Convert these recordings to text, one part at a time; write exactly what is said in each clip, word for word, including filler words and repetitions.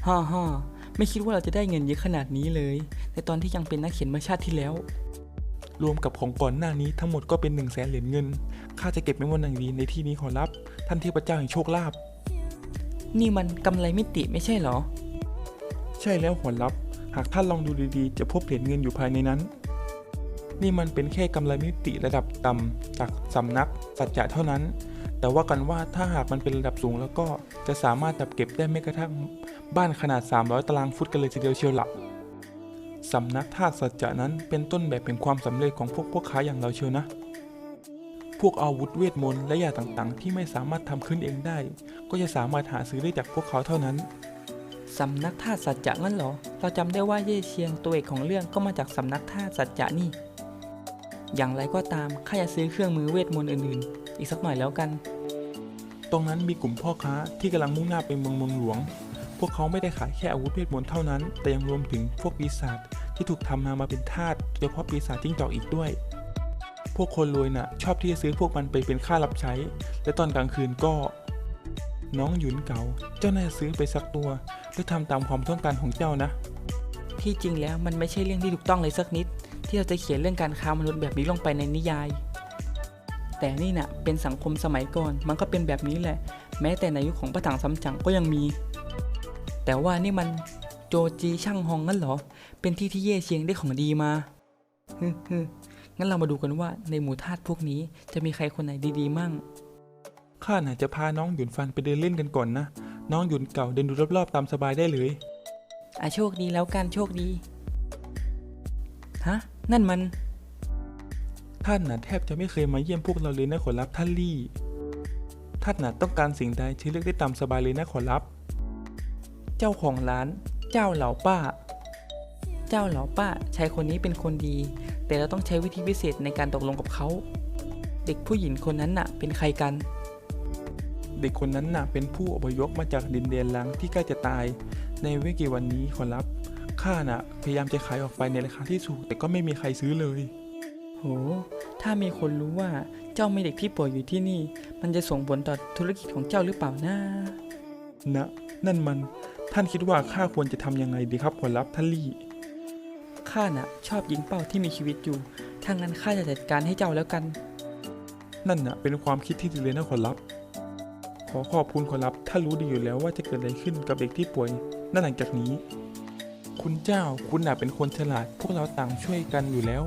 ฮ่าฮ่าไม่คิดว่าเราจะได้เงินเยอะขนาดนี้เลยในตอนที่ยังเป็นนักเขียนเมื่อชาติที่แล้วรวมกับของก่อนหน้านี้ทั้งหมดก็เป็นหนึ่งแสนเหรียญเงินข้าจะเก็บไว้วันอย่างดีในที่นี้ขอรับท่านเทพเจ้าแห่งโชคลาภนี่มันกำไรมิติไม่ใช่เหรอใช่แล้วขอรับหากท่านลองดูดีๆจะพบเหรียญเงินอยู่ภายในนั้นนี่มันเป็นแค่กำไรมิติระดับต่ำจากสำนักสัจจะเท่านั้นแต่ว่ากันว่าถ้าหากมันเป็นระดับสูงแล้วก็จะสามารถจับเก็บได้ไม่กระทั่งบ้านขนาดสามร้อยตารางฟุตกันเลยทีเดียวเชียวละสำนักธาตุสัจจะนั้นเป็นต้นแบบแห่งความสำเร็จของพวกพ่อค้าอย่างเราเชียวนะพวกอาวุธเวทมนต์และยาต่างๆที่ไม่สามารถทำขึ้นเองได้ก็จะสามารถหาซื้อได้จากพวกเขาเท่านั้นสำนักธาตุสัจจะงั้นเหรอเราจำได้ว่าเย่เชียงตัวเอกของเรื่องก็มาจากสำนักธาตุสัจจะนี่อย่างไรก็ตามข้าจะซื้อเครื่องมือเวทมนต์อื่นๆอีกสักหน่อยแล้วกันตรงนั้นมีกลุ่มพ่อค้าที่กำลังมุ่งหน้าไปเมืองเมืองหลวงพวกเขาไม่ได้ขายแค่อาวุธเวทมนต์เท่านั้นแต่ยังรวมถึงพวกปีศาจที่ถูกทำมามาเป็นทาสโดยเฉพาะปีศาจจิ้งจอกอีกด้วยพวกคนรวยน่ะชอบที่จะซื้อพวกมันไปเป็นค่ารับใช้และตอนกลางคืนก็น้องหยุนเก่าเจ้าน่าจะซื้อไปสักตัวเพื่อทำตามความต้องการของเจ้านะที่จริงแล้วมันไม่ใช่เรื่องที่ถูกต้องเลยสักนิดที่เราจะเขียนเรื่องการค้ามนุษย์แบบนี้ลงไปในนิยายแต่นี่น่ะเป็นสังคมสมัยก่อนมันก็เป็นแบบนี้แหละแม้แต่ในยุคของพระถังซัมจั๋งก็ยังมีแต่ว่านี่มันโจจีช่างฮองงั้นเหรอเป็นที่ที่เย่เชียงได้ของดีมาฮึฮึงั้นเรามาดูกันว่าในหมู่ทาสพวกนี้จะมีใครคนไหนดีๆมั่งข้าน่ะจะพาน้องหยุนฟันไปเดินเล่นกันก่อนนะน้องหยุนเก่าเดินดูรอบๆตามสบายได้เลยอ่ะโชคดีแล้วกันโชคดีฮะนั่นมันท่านน่ะแทบจะไม่เคยมาเยี่ยมพวกเราเลยนะขอรับท่านลี่ท่านน่ะต้องการสิ่งใดที่เลือกได้ตามสบายเลยนะขอรับเจ้าของร้านเจ้าเหล่าป้าเจ้าเหล่าป้าชายคนนี้เป็นคนดีแต่เราต้องใช้วิธีพิเศษในการตกลงกับเขาเด็กผู้หญิงคนนั้นน่ะเป็นใครกันเด็กคนนั้นน่ะเป็นผู้อพยพมาจากดินแดนล้างที่ใกล้จะตายในไม่กี่วันนี้ขอรับข้าน่ะพยายามจะขายออกไปในราคาที่ถูกแต่ก็ไม่มีใครซื้อเลยโหถ้ามีคนรู้ว่าเจ้ามีเด็กที่ป่วยอยู่ที่นี่มันจะส่งผลต่อธุรกิจของเจ้าหรือเปล่านะนะนั่นมันท่านคิดว่าข้าควรจะทำยังไงดีครับขอรับท่านลี่ข้าน่ะชอบยิงเป้าที่มีชีวิตอยู่ถ้างั้นข้าจะจัดการให้เจ้าแล้วกันนั่นน่ะเป็นความคิดที่ดีเลยนะขอรับขอขอบคุณขอรับถ้ารู้ดีอยู่แล้วว่าจะเกิดอะไรขึ้นกับเด็กที่ป่วยนั่นหลังจากนี้คุณเจ้าคุณน่ะเป็นคนฉลาดพวกเราต่างช่วยกันอยู่แล้ว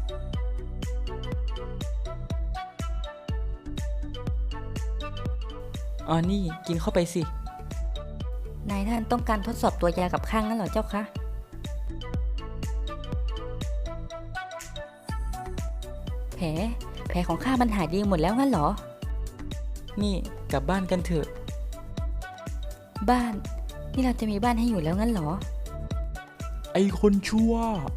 อ๋อนี่กินเข้าไปสินายท่านต้องการทดสอบตัวยากับข้างงั้นเหรอเจ้าคะแผลแผลของข้ามันหายดีหมดแล้วงั้นเหรอนี่กลับบ้านกันเถอะบ้านนี่เราจะมีบ้านให้อยู่แล้วงั้นเหรอไอคนชั่ว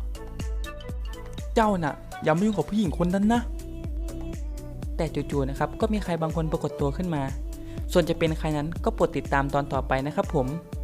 เจ้าน่ะอย่ามายุ่งกับผู้หญิงคนนั้นนะแต่จู่ๆนะครับก็มีใครบางคนปรากฏตัวขึ้นมาส่วนจะเป็นใครนั้นก็โปรดติดตามตอนต่อไปนะครับผม